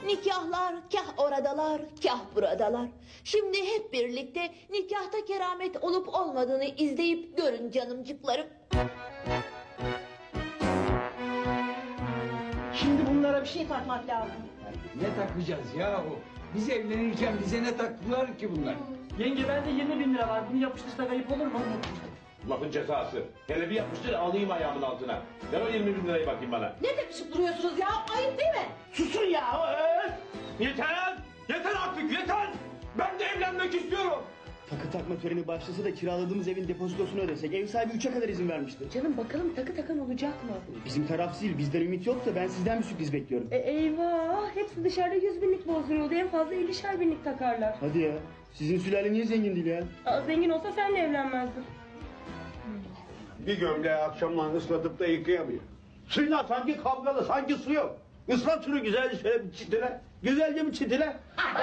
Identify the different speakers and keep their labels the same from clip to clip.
Speaker 1: Nikahlar kah oradalar, kah buradalar. Şimdi hep birlikte nikahta keramet olup olmadığını izleyip görün canımcıklarım.
Speaker 2: Şimdi bunlara bir şey takmak lazım.
Speaker 3: Ne takacağız ya o? Biz evlenirken bize ne taktılar ki bunlar?
Speaker 2: Yenge bende 20.000 lira var. Bunu yapıştırsak ayıp olur mu?
Speaker 4: Lafın cezası. Hele bir yapmıştır alayım ayağımın altına. Ver o 20.000 lirayı bakayım bana.
Speaker 1: Ne tepişip duruyorsunuz ya? Ayıp değil mi?
Speaker 2: Susun ya!
Speaker 4: Yeter! Yeter artık yeter! Ben de evlenmek istiyorum.
Speaker 5: Takı takma töreni başlasa da kiraladığımız evin depozitosunu ödesek. Ev sahibi 3'e kadar izin vermişti.
Speaker 6: Canım bakalım takı takan olacak mı?
Speaker 5: Bizim taraf değil, bizden ümit yoksa ben sizden bir sürpriz bekliyorum.
Speaker 6: Eyvah, hepsi dışarıda 100.000'lik bozduruyordu. En fazla 50'şer binlik takarlar.
Speaker 5: Hadi ya. Sizin sülale niye zengin değil ya?
Speaker 6: Aa, zengin olsa senle evlenmezdin.
Speaker 7: Bir gömleği akşamdan ıslatıp da yıkayamıyor. Suyla sanki kavgalı, sanki su yok. Islat şunu güzelce şöyle bir çitile. Güzelce bir çitile.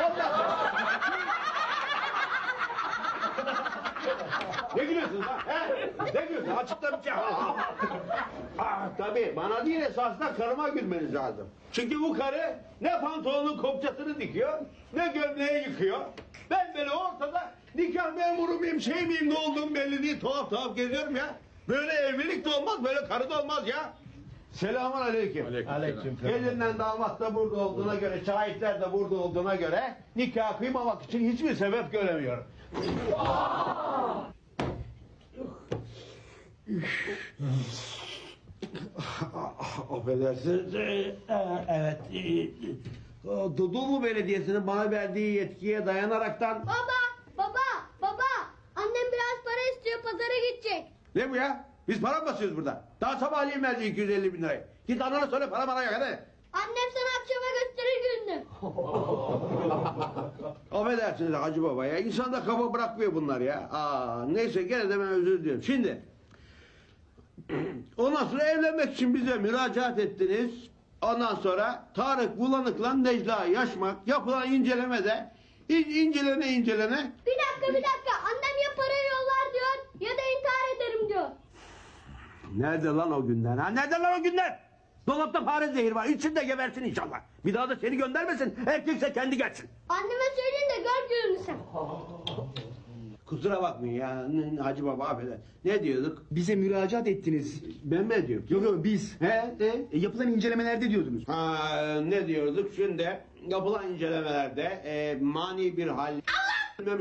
Speaker 7: Ne gülüyorsunuz lan? He? Ne gülüyorsun? Açıkta bir şey. Tabii bana değil esasında karıma gülmeniz lazım. Çünkü bu karı ne pantolonun kopçasını dikiyor, ne gömleği yıkıyor. Ben böyle ortada nikah memuru muyum, şey miyim, ne olduğum belli değil. Tuhaf tuhaf geziyorum ya. Böyle evlilik de olmaz, böyle karı da olmaz ya. Selamun aleyküm.
Speaker 4: Aleyküm.
Speaker 7: Gelinden damat da burada olduğuna göre, şahitler de burada olduğuna göre nikah kıymamak için hiçbir sebep göremiyorum. Affedersiniz. Evet. Dudullu Belediyesi'nin bana verdiği yetkiye dayanaraktan...
Speaker 8: Baba, annem biraz para istiyor, pazara gidecek.
Speaker 7: Ne bu ya? Biz para mı basıyoruz burada? Daha sabahleyin verdi 250.000 lirayı. Git anana söyle para bana yok hadi.
Speaker 8: Annem sana akşama gösterir gününü.
Speaker 7: Affedersiniz Hacı Baba ya. İnsan da kafa bırakmıyor bunlar ya. Neyse gene de ben özür diliyorum. Şimdi... Ondan sonra evlenmek için bize müracaat ettiniz. Ondan sonra Tarık Bulanık'la Necla Yaşmak yapılan incelemede incelene
Speaker 8: Bir dakika, annem ya parayı yollar diyor ya da intihar ederim diyor.
Speaker 7: Nerede lan o günler ha? Nerede lan o günler? Dolapta fare zehir var. İçinde gebersin inşallah. Bir daha da seni göndermesin. Erkekse kendi gelsin.
Speaker 8: Anneme söyleyin de gör gününü sen.
Speaker 7: Kusura bakmayın ya Hacı Baba affeder. Ne diyorduk?
Speaker 5: Bize müracaat ettiniz.
Speaker 7: Ben mi ediyorum?
Speaker 5: Yok biz.
Speaker 7: He?
Speaker 5: Yapılan incelemelerde diyordunuz.
Speaker 7: Ne diyorduk? Şimdi yapılan incelemelerde mani bir hal... Allah!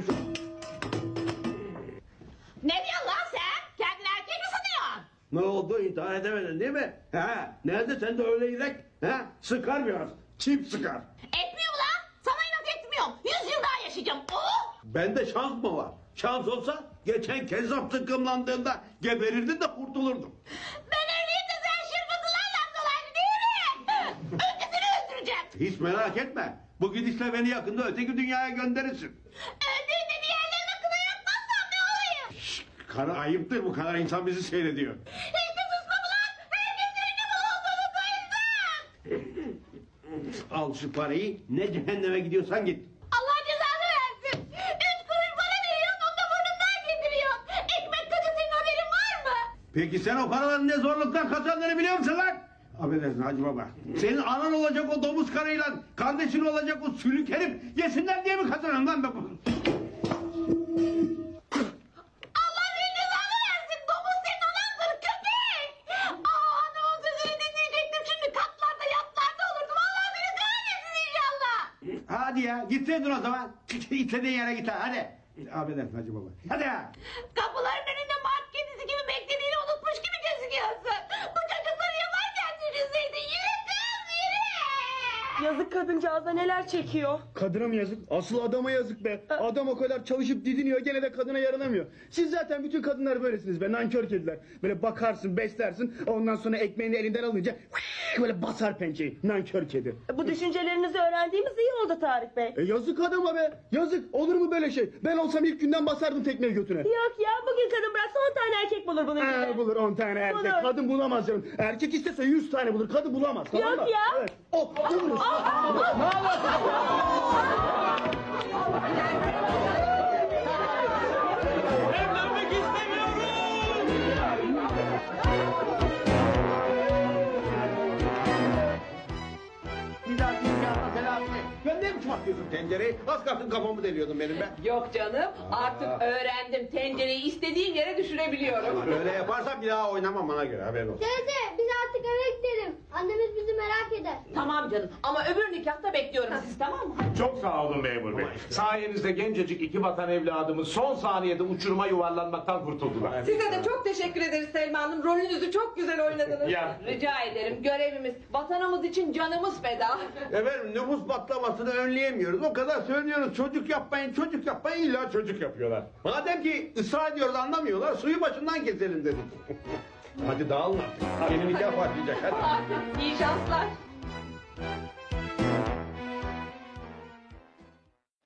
Speaker 1: Ne diyorsun lan sen? Kendini erkek mi sanıyorsun?
Speaker 7: Ne oldu? İntihar edemedin değil mi? He? Nerede sen de öyle yürek? He? Sıkar biraz. Çift sıkar.
Speaker 1: Etmiyor mu lan? Sana inat etmiyorum. 100 yıl daha yaşayacağım. Oh!
Speaker 7: Bende şans mı var? Şans olsa geçen Kezzap tıkkımlandığında geberirdin de kurtulurdum.
Speaker 1: Ben evliyim de sen şırfıtılarla dolaylı değil mi? Önce seni öldüreceğim.
Speaker 7: Hiç merak etme. Bu gidişle beni yakında öteki dünyaya gönderirsin.
Speaker 1: Öldüğünde bir yerlerine kına yapmazsam ne olayım?
Speaker 7: Karı ayıptır bu kadar insan bizi seyrediyor.
Speaker 1: Hiç de susma mı lan? Herkes senin gibi olduğunu sayılsın.
Speaker 7: Al şu parayı ne cehenneme gidiyorsan git.
Speaker 1: Allah cezanı versin. 3 kuruş para veriyorsun, onu da burnumdan getiriyorsun. Ekmek kadın senin haberin var mı?
Speaker 7: Peki sen o paraların ne zorluktan kazandığını biliyor musun lan? Affedersin Hacı Baba. Senin anan olacak o domuz karıyla kardeşin olacak o sülük herif yesinler diye mi kazanın lan?
Speaker 1: Allah senin cezanı versin. Domuz senin anandır köpek. Aa, anamın sözünü dinleyecektim. Şimdi katlarda yatlarda olurdum. Allah beni kahretsin inşallah.
Speaker 7: Hadi ya gitseydin o zaman. İstediğin yere git hadi. Affedersin Hacı Baba. Hadi ya.
Speaker 1: Kapıların önünde mart kedisi gibi beklediğini unutmuş gibi gözüküyorsun. Bu çocukları yaparken düşünseydin. Yürü kız yürü.
Speaker 6: Yazık kadıncağıza neler çekiyor.
Speaker 5: Kadına mı yazık? Asıl adama yazık be. Adam o kadar çalışıp didiniyor gene de kadına yaranamıyor. Siz zaten bütün kadınlar böylesiniz be, nankör kediler. Böyle bakarsın, beslersin, ondan sonra ekmeğini elinden alınca böyle basar pençeyi. Nankör kedi.
Speaker 6: Bu düşüncelerinizi öğrendiğimiz iyi oldu Tarık Bey.
Speaker 5: Yazık adama be. Yazık. Olur mu böyle şey? Ben olsam ilk günden basardım tekmeyi götüne.
Speaker 6: Yok ya, bugün kadın bıraksa 10 tane erkek bulur bunun gibi.
Speaker 5: Bulur 10 tane erkek.
Speaker 6: Bulur.
Speaker 5: Kadın bulamaz canım. Erkek istese 100 tane bulur. Kadın bulamaz. Tamam
Speaker 6: Yok
Speaker 5: mı?
Speaker 6: ya.
Speaker 5: Evet. Buluruz.
Speaker 3: Evlenmek istemiyorum.
Speaker 7: Bir dahaki nikahta telafi biçim atıyorsun tencereyi? Az kalsın kafamı deliyordun benim be.
Speaker 1: Yok canım artık öğrendim tencereyi istediğim yere düşürebiliyorum.
Speaker 7: Böyle yaparsan bir daha oynamam bana göre haberin olsun.
Speaker 8: Teyze biz artık eve gidelim. Annemiz bizi merak eder.
Speaker 1: Tamam canım ama öbür nikahta bekliyorum sizi tamam mı?
Speaker 4: Çok sağ olun memur bey. Sayenizde gencecik iki vatan evladımız son saniyede uçuruma yuvarlanmaktan kurtuldular.
Speaker 1: Size de çok teşekkür ederiz Selma Hanım. Rolünüzü çok güzel oynadınız.
Speaker 4: Ya.
Speaker 1: Rica ederim görevimiz vatanımız için canımız feda.
Speaker 7: Efendim nüfus patlamasını önleyemiyoruz. O kadar söylüyoruz çocuk yapmayın illa çocuk yapıyorlar. Madem ki ısrar ediyoruz anlamıyorlar suyu başından keselim dedik. Hadi dağılın artık. Yeni nikah başlayacak hadi.
Speaker 1: İyi şanslar.